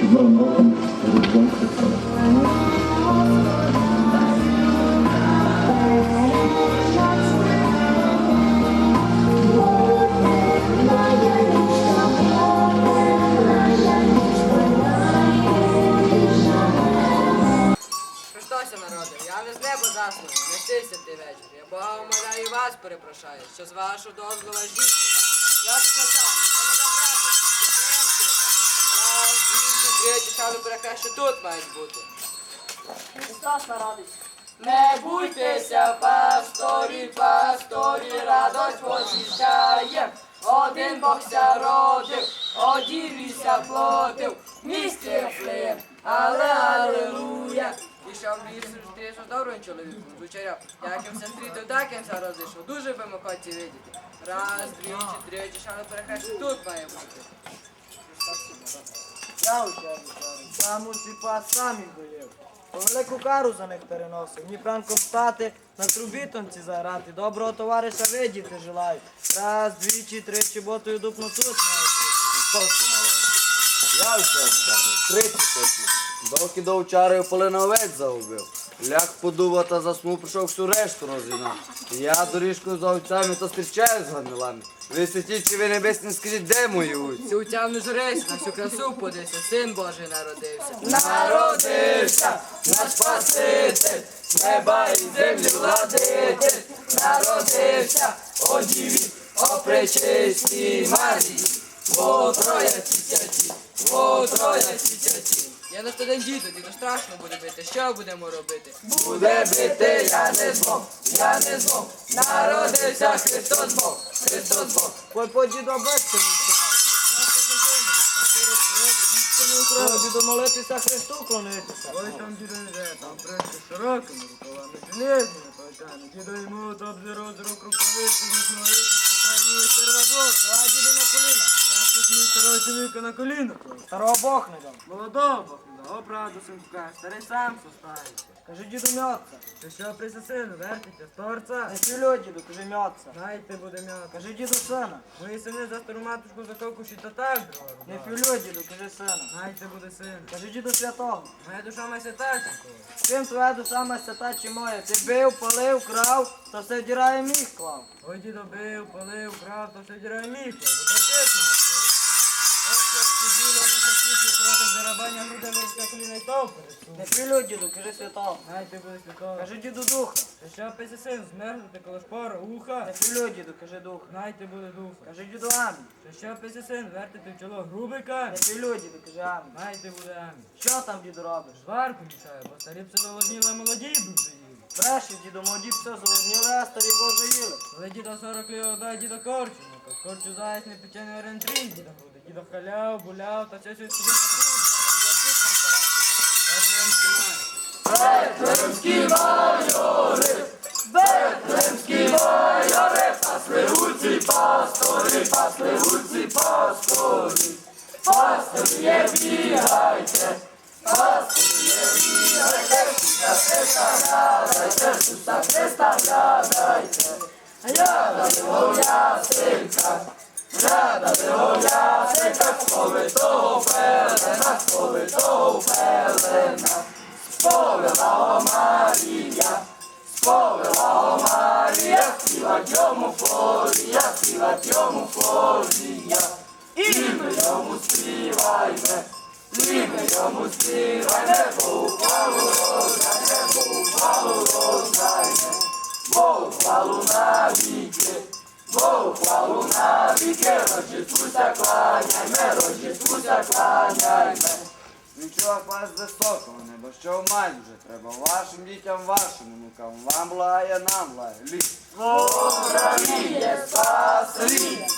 Під новим роком Різдвом Христовим. Христося народив, я не з неба засланий, не стися ти вечір. Я Бога умоляю і вас перепрошаю, що з вашого дозволу жінки. Я тут начав, мене забрати, що приємські раз, двічі, третій, саме перехрещі тут мають бути. Христос народився. Не буйтеся, пасторі, пасторі, радость возвіщає. Один Бог ся родив, о діві ся плотив, в місті Ефлеєм, але алелуя. Ішов ліс, зустрівся з добрим чоловіком, звучаряв, як їм ся стрітив, так їм ся розійшов, дуже би ми хоті видіти. Раз, двічі, третій, шану перехрещі, тут має бути. Я учений, сам усіпа сам їх доїв. По велику кару за них переносив, ні пранком стати, на трубітонці заграти, доброго товариша видіти желаю. Раз, двічі, тричі, ботою дупну тут має бути. Я все вчаний, 30 років. Доки до вчари полина овець загубив. Ляг подува та заснув, прийшов всю решту розігнав. Я доріжкою за овцями та зустрічаю з ганилами. Ви святічі, ви небесні, скажіть, де мої овці? Цю тямну жресь, на всю красу подився, син Божий народився. Народився наш Спаситель, неба і землі владитель. Народився, о діві, о пречистій Марії. О трояці святі, о трояці святі. Я на студент діду страшно буде бити, що будемо робити? Буде бити, я не змог, я не змог. Народився Христос Бог, Христос Бог. Ой, поді до бетки не діду молитися, Христу клонитися. Ой, там діду йде, там прийшли широкими рукавами, железними палками. Діду йому от обзиру з рук рукавиці, не молитися, карні сервабок. Давай, діду, на коліна. Я тут мій старого чоловіка на коліна. Старого Бог не дам. Молодого Бог не дав, о, правду синку каже, старий сам состається. Кажи, діду, м'ятся. Ти що присосину, вертиться з торця? Не філю, діду, кажи, м'ятся. Знаєте, буде м'яко. Кажи, діду, сина. Мої сини за стару матушку закокуші та так дрова Не рубали. філю, діду, кажи, сина. Знаєте, буде син. Кажи, діду, святого. Моя душа має святаченько. Чим твоя душа масята чи моя? Ти бив, палив, крав, та все вдірає міг клав. Ой, дідо бив, палив, крав, то все дірає міхо. Закрутити. Ось як сиділо, не хотіти, трохи зарабання грудами і коліна й то пересунув. Не філю, діду, кажи, святого. Знаєте, буде святого. Кажи, діду, духа. Та що писи син, змерзнути коло шпора, уха. Не філю, діду, кажи, духа. Знаєте, буде духа. Кажи, діду, амінь. Та що писи син, вертити в чоло грубий камінь. Не філю, діду, кажи, амінь. Знаєте, буде амінь. Що там, діду, робиш? Зварку мішає, бо старі пси заволодніли, а молоді дуже їли. Бреші, діду, молоді все заводніли, а старі Боже їли. Коли дідо 40 ліг дай дідо корчу, ну то корчу заяць не печений орентрій дідо буде. Дідо халяв, буляв, та все собі напружено. Бетлемські майори, Бетлемські майори, пасли гуці пастори, пасли гуці пастори. Пастори є бігайте, пастори є бігайте, Ісуса Христа глядайте, Ісуса Христа глядайте. Ряда виговля синка, ряда виговля синка, сповитого пелена, сповитого пелена. Сповила о Марія, сповила о Марія, співать йому флорія, співать йому флорія. І ми йому співайме, і ми йому співайме, Богу хвалу роздайме, Богу хвалу роздайме. Богу хвалу навіки, Богу хвалу навіки, Рождествуся кланяйме, Рождествуся кланяйме. Відчував вас з високого неба, що в мать вже треба, вашим дітям, вашим онукам, вам благає, нам благає, ліс. Україні спасли,